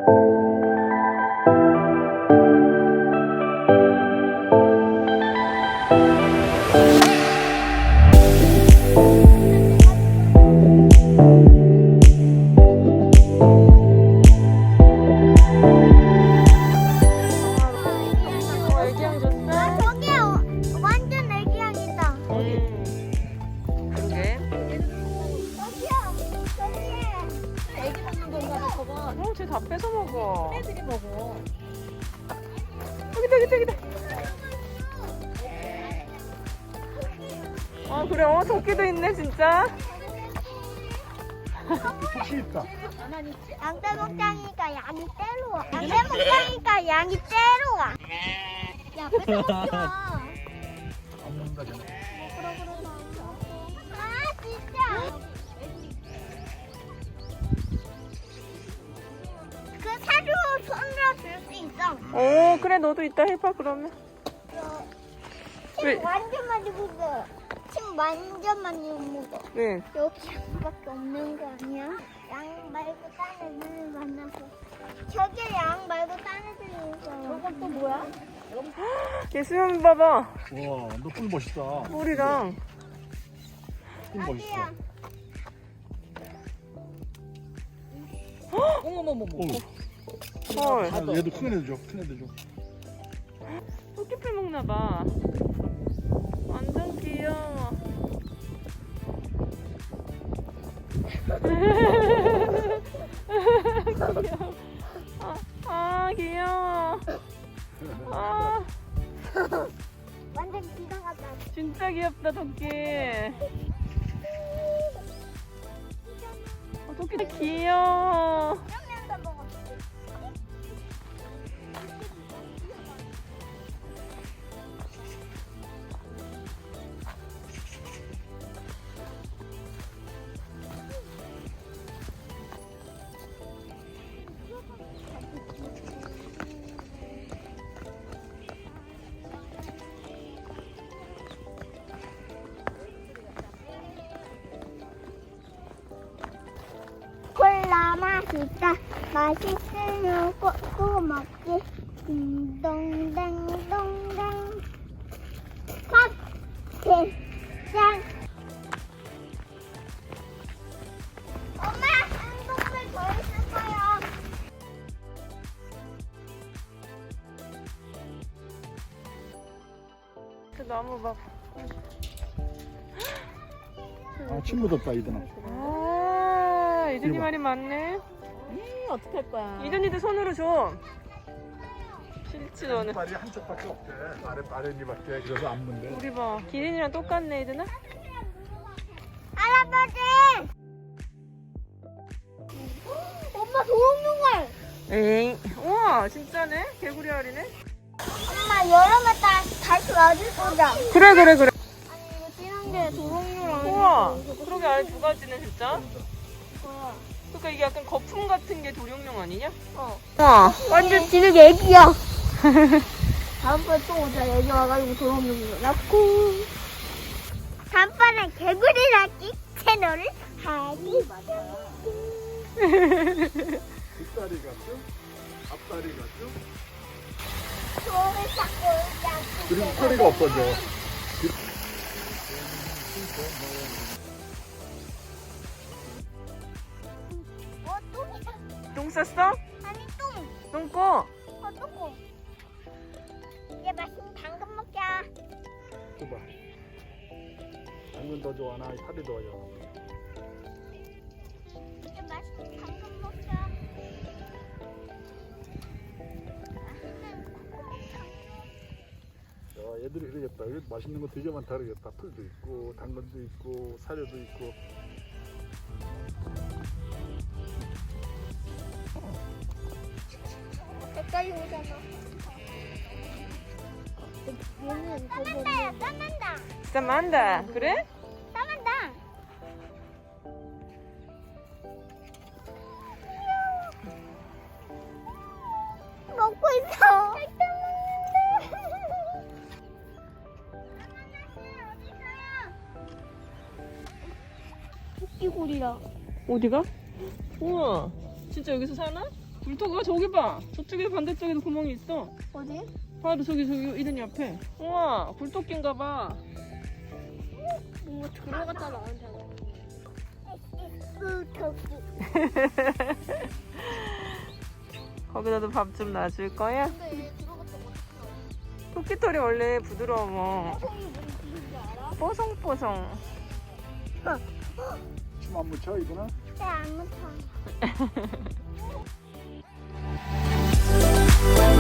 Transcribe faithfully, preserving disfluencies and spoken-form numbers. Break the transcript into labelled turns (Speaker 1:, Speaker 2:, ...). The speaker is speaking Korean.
Speaker 1: 다 뺏어 먹어.
Speaker 2: 애들이 먹어.
Speaker 1: 여기다 여기다 여기다. 아 그래, 어 토끼도 있네 진짜.
Speaker 3: 토끼 있다.
Speaker 4: 양떼 먹자니까 양이 떼로 와. 양떼 먹자니까 양이 떼로 와. 야, 뺏어 먹지 마.
Speaker 3: 안 먹는다 쟤네.
Speaker 4: 아, 진짜. 그 사료 손으로 줄 수 있어.
Speaker 1: 오 그래, 너도 이따 해봐 그러면. 왜?
Speaker 4: 침 완전 많이 묻어. 침 완전 많이 묻어.
Speaker 1: 네.
Speaker 4: 여기 양밖에 없는 거 아니야? 양 말고 딴 애들 만나서. 저기 양 말고 딴 애들이 있어. 저건 또 뭐야?
Speaker 1: 얘 수염 봐봐.
Speaker 3: 와, 너 뿔 멋있다.
Speaker 1: 뿔이랑.
Speaker 3: 뿔 멋있어.
Speaker 4: 어디야?
Speaker 2: 어머머머머.
Speaker 3: 어,
Speaker 1: 헐.
Speaker 3: 아, 얘도 큰 애들 줘. 큰 애들 줘.
Speaker 1: 토끼풀 먹나 봐. 완전 귀여워. 귀여워. 아, 아 귀여워. 아
Speaker 4: 완전 기가 같다.
Speaker 1: 진짜 귀엽다 토끼. 어, 토끼도 귀여워.
Speaker 4: 냠냠도 먹었어. 콜라 맛있다. 맛있으면 꼭꼭 먹지. 딩동댕동댕. 팥게장. 엄마, 한동물 더 있을 거야.
Speaker 1: 그 나무 봐.
Speaker 3: 아, 침 묻었다 이들아.
Speaker 1: 아 이준이
Speaker 3: 이리 봐.
Speaker 1: 말이 많네.
Speaker 2: 음, 어떻게 할 거야?
Speaker 1: 이준이도 손으로 줘. 싫지 너는.
Speaker 3: 발이 한쪽밖에 없대. 아래 아랫니밖에. 그래서 안 문대.
Speaker 1: 우리 봐. 기린이랑 똑같네 이준아.
Speaker 4: 할아버지! 엄마 도롱뇽알!
Speaker 1: 에잉. 우와 진짜네. 개구리 알이네.
Speaker 4: 엄마 여름에 따, 다시 와줄 거자.
Speaker 1: 그래 그래 그래.
Speaker 4: 아니 이거 진한 게 도롱뇽알.
Speaker 1: 우와 그러게 알 두 가지네 진짜. 그러니까 이게 약간 거품 같은 게 도룡뇽 아니냐?
Speaker 4: 어.
Speaker 1: 우와.
Speaker 4: 완전 지금 애기야. 다음번에 또 오자. 여기 와가지고 도롱뇽을 낳고. 다음번에 개구리 낳기 채널을 하기.
Speaker 3: 뒷다리가 쭉, 앞다리가 쭉.
Speaker 4: 손을 잡고 오자.
Speaker 3: 그리고 허리가 없어져.
Speaker 4: 어, 똥이다.
Speaker 1: 똥 쌌어?
Speaker 4: 아니, 똥.
Speaker 1: 똥 꺼.
Speaker 4: 어, 똥. 이제 맛있는 당근 먹자.
Speaker 3: 줘봐. 당근 더 좋아하나? 파리 더 좋아하나?
Speaker 4: 이제 맛있는 당근 먹자. 맛있는 코코넛.
Speaker 3: 야, 얘들이 그러겠다. 여기 맛있는 거 되게 많다 그러겠다. 풀도 있고, 당근도 있고, 사료도 있고.
Speaker 4: 색깔이 오잖아. 얘는 싸만다야, 싸만다.
Speaker 1: 진짜 많다. 그래?
Speaker 4: 싸만다. 먹고 있어. 토끼고리야.
Speaker 1: 어디가? 우와 진짜 여기서 사나? 굴토가 저기 봐. 저쪽에 반대쪽에도 구멍이 있어.
Speaker 4: 어디?
Speaker 1: 바로 저기 저기 이든 옆에. 우와 굴토끼인가 봐.
Speaker 4: 뭔가 들어갔다 나온잖아. 으, 토끼.
Speaker 1: 거기다도 밥 좀 놔줄 거야?
Speaker 4: 근데 얘 들어갔다 어떡해.
Speaker 1: 토끼털이 원래 부드러워.
Speaker 4: 토끼 뭔 짓인지 알아?
Speaker 1: 뽀송뽀송.
Speaker 3: 춤 안 묻혀 이거는?
Speaker 4: 네, 안 묻혀.